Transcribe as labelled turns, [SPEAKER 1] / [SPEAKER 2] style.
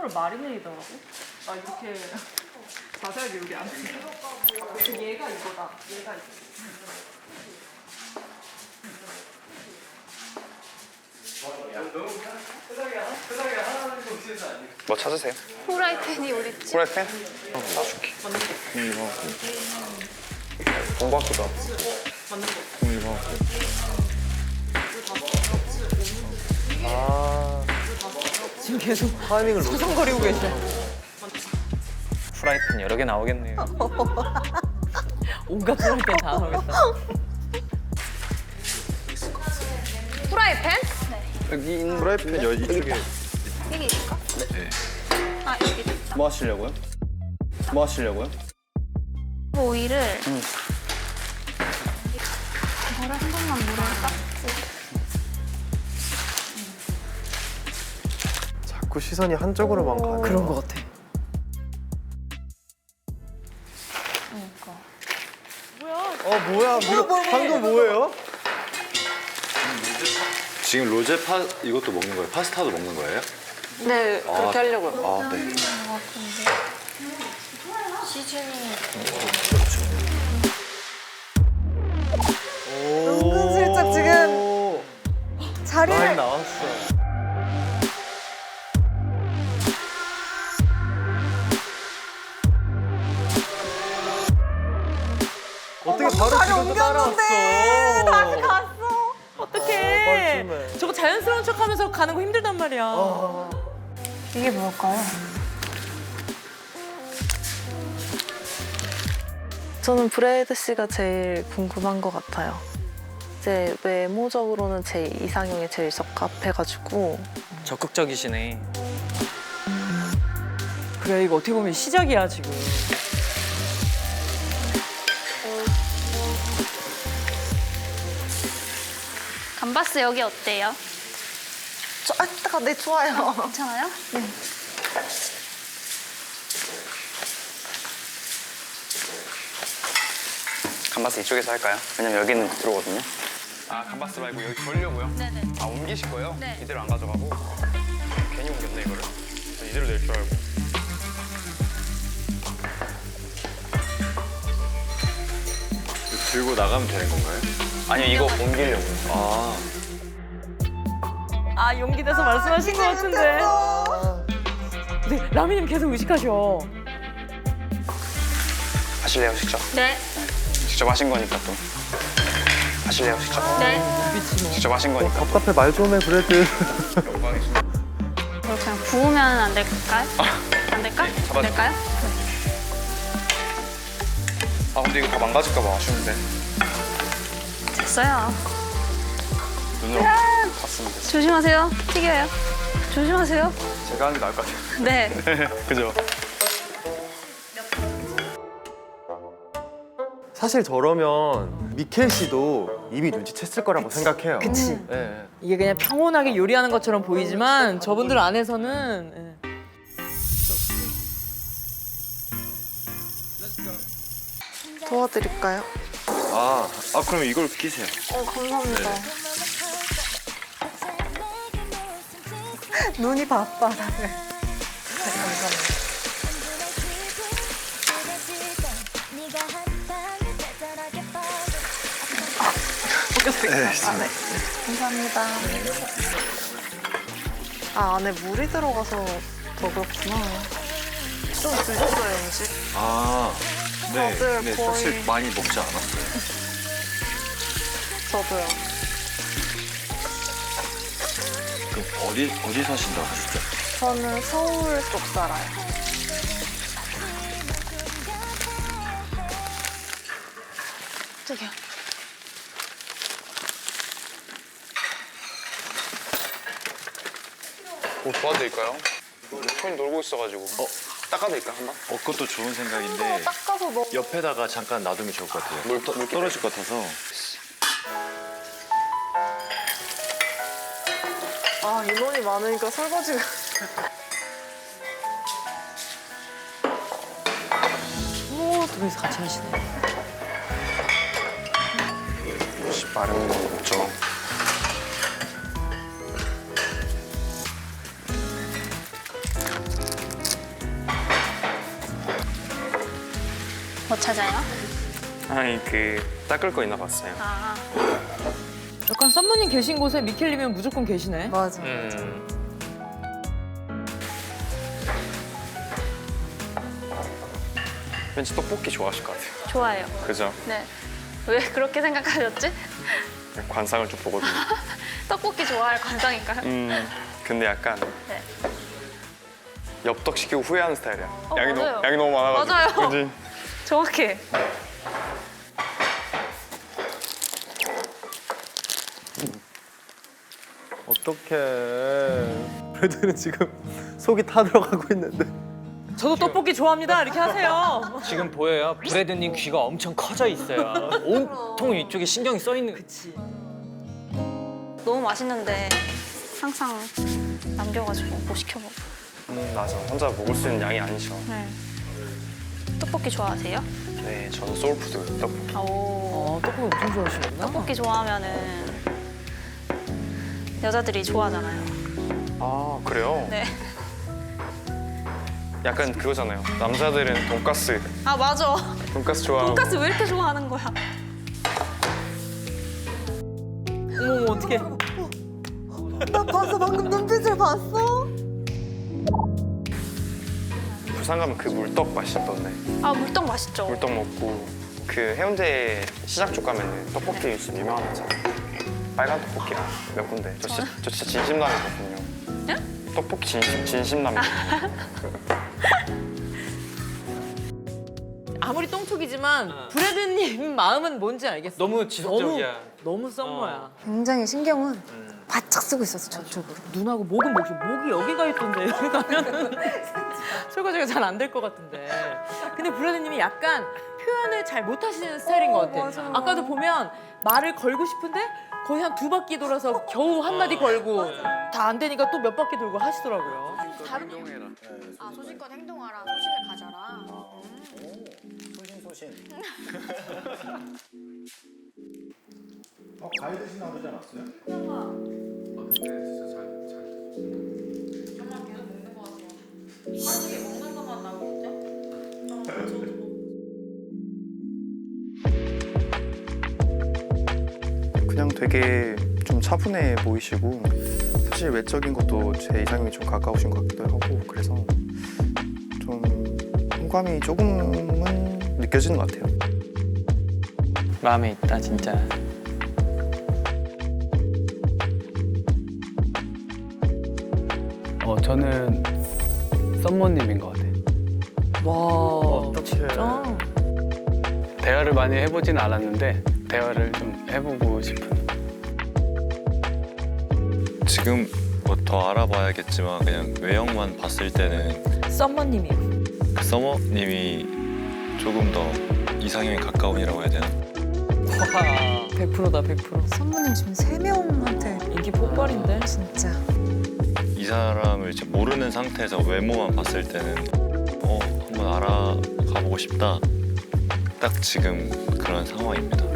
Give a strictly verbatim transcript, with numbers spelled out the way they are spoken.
[SPEAKER 1] 생으로 마리네이더라고? 아 이렇게 자세하게 여기 안 돼. 얘가 이거다. 얘가 이거.
[SPEAKER 2] 뭐 찾으세요?
[SPEAKER 3] 후라이팬이 어딨지?
[SPEAKER 2] 프라이팬? 어, 놔줄게. 이거 본것 같기도 하고. 이거
[SPEAKER 4] 아,
[SPEAKER 1] 지금 계속
[SPEAKER 4] 타이밍을 놓쳐.
[SPEAKER 1] 서성거리고 계셔.
[SPEAKER 2] 프라이팬 여러 개 나오겠네요.
[SPEAKER 1] 온갖 프라이팬 다 나오겠다.
[SPEAKER 3] 후라이팬?
[SPEAKER 2] 여기 있는 프라이팬 여기 이쪽에.
[SPEAKER 3] 여기 있을까? 네. 아, 여기 있다.
[SPEAKER 2] 뭐 하시려고요? 뭐 하시려고요?
[SPEAKER 3] 오이를 응. 이거를 한 번만 물을 닦고
[SPEAKER 4] 자꾸 시선이 한쪽으로만 가네.
[SPEAKER 1] 그런 거 같아.
[SPEAKER 3] 그러니까
[SPEAKER 4] 어, 뭐야? 뭐, 방금 뭐예요?
[SPEAKER 5] 지금 로제 파 이것도 먹는 거예요? 파스타도 먹는 거예요?
[SPEAKER 3] 네,
[SPEAKER 5] 그렇게
[SPEAKER 3] 하려고요.
[SPEAKER 5] 아, 네.
[SPEAKER 3] 시즈닝
[SPEAKER 4] 은근슬쩍 지금
[SPEAKER 6] 자리를-
[SPEAKER 4] 많이 나왔어. 어떻게 바로
[SPEAKER 6] 자리
[SPEAKER 4] 지금 또 따라왔어?
[SPEAKER 6] 옮겼는데 다시 갔어.
[SPEAKER 1] 어떡해.
[SPEAKER 4] 뻘쭘해.
[SPEAKER 1] 저거 자연스러운 척하면서 가는 거 힘들단 말이야.
[SPEAKER 4] 아,
[SPEAKER 6] 이게 뭘까요?
[SPEAKER 7] 저는 브래드 씨가 제일 궁금한 것 같아요. 제 외모적으로는 제 이상형에 제일 적합해가지고
[SPEAKER 2] 적극적이시네.
[SPEAKER 1] 그래 이거 어떻게 보면 시작이야 지금.
[SPEAKER 3] 감바스 여기 어때요?
[SPEAKER 6] 저, 아, 잠깐, 네, 좋아요.
[SPEAKER 3] 괜찮아요? 네.
[SPEAKER 2] 감바스 이쪽에서 할까요? 왜냐면 여기는 들어오거든요. 아 감바스 말고 여기 돌려고요?
[SPEAKER 3] 네네.
[SPEAKER 2] 아 옮기실 거예요?
[SPEAKER 3] 네.
[SPEAKER 2] 이대로 안 가져가고 괜히 옮겼네 이거를. 저 이대로 낼 줄 알고.
[SPEAKER 5] 들고 나가면 되는 건가요?
[SPEAKER 2] 아니요 이거 옮기려고요.
[SPEAKER 5] 아,
[SPEAKER 1] 아 용기 내서 말씀하신 것 같은데. 근데 라미님 계속 의식하셔.
[SPEAKER 2] 하실래요 직접?
[SPEAKER 3] 네.
[SPEAKER 2] 직접 하신 거니까 또. 하실래요 직접?
[SPEAKER 3] 네.
[SPEAKER 1] 미치노.
[SPEAKER 2] 직접 하신 거니까.
[SPEAKER 4] 답답해. 말 좀 해, 브래드.
[SPEAKER 2] 영광이십니다.
[SPEAKER 3] 이거 그냥 구우면 안 될까요? 안 될까?
[SPEAKER 2] 네, 잡아줘.
[SPEAKER 3] 안 될까요?
[SPEAKER 2] 아 근데 이거 다 망가질까 봐 아쉬운데.
[SPEAKER 3] 됐어요.
[SPEAKER 2] 눈으로 봤으면 됐어.
[SPEAKER 3] 조심하세요. 튀겨요. 조심하세요.
[SPEAKER 2] 제가 하는 게 나을 것 같아요.
[SPEAKER 3] 네.
[SPEAKER 2] 그죠?
[SPEAKER 4] 사실 저러면 미켈 씨도 이미 눈치챘을 거라고 생각해요.
[SPEAKER 1] 그치.
[SPEAKER 4] 예, 예.
[SPEAKER 1] 이게 그냥 평온하게 요리하는 것처럼 보이지만 저분들 안에서는 예.
[SPEAKER 7] 도와드릴까요?
[SPEAKER 5] 아, 아 그럼 이걸 끼세요.
[SPEAKER 7] 어, 감사합니다.
[SPEAKER 6] 눈이 바빠, 다들. 감사합니다.
[SPEAKER 7] 감사합니다. 아, 안에 물이 들어가서 더 그렇구나. 좀 드셨어요, 음식?
[SPEAKER 5] 아, 네.
[SPEAKER 7] 다들
[SPEAKER 5] 네,
[SPEAKER 7] 거의-
[SPEAKER 5] 사실 많이 먹지 않았어요.
[SPEAKER 7] 저도요.
[SPEAKER 5] 그럼 어디 어디 사신다고 하셨죠?
[SPEAKER 7] 저는 서울 쪽 살아요.
[SPEAKER 3] 저기요.
[SPEAKER 2] 뭐 도와드릴까요? 손이 놀고 있어가지고. 어? 닦아드릴까요 한번?
[SPEAKER 5] 어, 그것도 좋은 생각인데
[SPEAKER 7] 닦아서 넣어.
[SPEAKER 5] 옆에다가 잠깐 놔두면 좋을 것 같아요.
[SPEAKER 2] 물, 떠- 물
[SPEAKER 5] 떨어질 것 같아서.
[SPEAKER 7] 아, 인원이 많으니까 설거지가.
[SPEAKER 1] 오, 두 분이서 같이 하시네.
[SPEAKER 2] 역시 빠른 건 없죠.
[SPEAKER 3] 뭐 찾아요?
[SPEAKER 2] 아니 그 닦을 거 있나 봤어요.
[SPEAKER 3] 아,
[SPEAKER 1] 약간 썸머님 계신 곳에 미켈님은 무조건 계시네.
[SPEAKER 6] 맞아.
[SPEAKER 2] 음. 왠지 떡볶이 좋아하실 것 같아요.
[SPEAKER 3] 좋아요.
[SPEAKER 2] 그죠?
[SPEAKER 3] 네. 왜 그렇게 생각하셨지?
[SPEAKER 2] 관상을 좀 보거든요.
[SPEAKER 3] 떡볶이 좋아할 관상인가요?
[SPEAKER 2] 음. 근데 약간
[SPEAKER 3] 네.
[SPEAKER 2] 엽떡 시키고 후회하는 스타일이야.
[SPEAKER 3] 어,
[SPEAKER 2] 양이
[SPEAKER 3] 맞아요.
[SPEAKER 2] 너무 양이 너무 많아가지고.
[SPEAKER 3] 맞아요.
[SPEAKER 2] 그지?
[SPEAKER 3] 정확해.
[SPEAKER 4] 어떡해. 브래드는 지금 속이 타들어가고 있는데.
[SPEAKER 1] 저도 떡볶이 좋아합니다. 이렇게 하세요.
[SPEAKER 8] 지금 보여요? 브래드님 귀가 엄청 커져 있어요. 온통 이쪽에 신경이 써 있는.
[SPEAKER 1] 그치.
[SPEAKER 3] 너무 맛있는데 항상 남겨가지고 못 시켜먹어.
[SPEAKER 2] 음 맞아. 혼자 먹을 수 있는 양이 아니죠.
[SPEAKER 3] 네. 떡볶이 좋아하세요?
[SPEAKER 2] 네, 저는 소울푸드 떡볶이.
[SPEAKER 3] 오.
[SPEAKER 1] 어, 떡볶이 엄청 좋아하시는구나.
[SPEAKER 3] 떡볶이 좋아하면은 여자들이 좋아하잖아요.
[SPEAKER 2] 아 그래요?
[SPEAKER 3] 네.
[SPEAKER 2] 약간 그거잖아요. 남자들은 돈가스,
[SPEAKER 3] 아 맞아.
[SPEAKER 2] 돈가스 좋아하고.
[SPEAKER 3] 돈까스 왜 이렇게 좋아하는 거야?
[SPEAKER 1] 어머, 어떡해.
[SPEAKER 6] 나 봤어. 방금 눈빛을 봤어?
[SPEAKER 2] 부산 가면 그 물떡 맛있던데.
[SPEAKER 3] 아 물떡 맛있죠.
[SPEAKER 2] 물떡 먹고 그 해운대 시장 쪽 가면은 떡볶이 집 유명한 거 있잖아요. 빨간 떡볶이랑 몇 군데. 저 진짜, 저 진짜 진심남이거든요.
[SPEAKER 3] 네?
[SPEAKER 2] 떡볶이 진심 진심남이거든요.
[SPEAKER 1] 아무리 똥촉이지만 브래드님 마음은 뭔지 알겠어.
[SPEAKER 8] 너무 지속적이야.
[SPEAKER 1] 너무, 너무 썸머야.
[SPEAKER 6] 굉장히 신경은 바짝 쓰고 있었어, 저쪽으로.
[SPEAKER 1] 눈하고 목은 목이 목이 여기가 있던데 여기 가면은 설거지가 잘 안 될 것 같은데. 근데 브래드님이 약간 표현을 잘 못하시는 스타일인 것 같아.
[SPEAKER 6] 맞아.
[SPEAKER 1] 아까도 보면 말을 걸고 싶은데 거의 한 두 바퀴 돌아서 겨우 한 마디 걸고 다 안 되니까 또 몇 바퀴 돌고 하시더라고요. 다른
[SPEAKER 3] 아 소신껏 행동하라. 소신을 가져라.
[SPEAKER 9] 어, 과일 드시나 그러지 않았어요?
[SPEAKER 2] 그냥 되게 좀 차분해 보이시고 사실 외적인 것도 제 이상형이 좀 가까우신 것 같기도 하고 그래서 좀 호감이 조금은 느껴지는 것 같아요.
[SPEAKER 8] 마음에 있다 진짜.
[SPEAKER 10] 어 저는 썸머님인 것 같아요.
[SPEAKER 1] 와 진짜.
[SPEAKER 10] 대화를 많이 해보진 않았는데 대화를 좀 해보고 싶은.
[SPEAKER 5] 지금 뭐 더 알아봐야겠지만 그냥 외형만 봤을 때는
[SPEAKER 1] 썸머님이.
[SPEAKER 5] 그 서머님이 조금 더 이상형에 가까운이라고 해야 되나?
[SPEAKER 8] 와.
[SPEAKER 1] 백 퍼센트다 백 퍼센트.
[SPEAKER 6] 선배님 지금 세 명한테
[SPEAKER 1] 인기 폭발인데.
[SPEAKER 6] 진짜.
[SPEAKER 5] 이 사람을 이제 모르는 상태에서 외모만 봤을 때는 어 한번 알아가보고 싶다. 딱 지금 그런 상황입니다.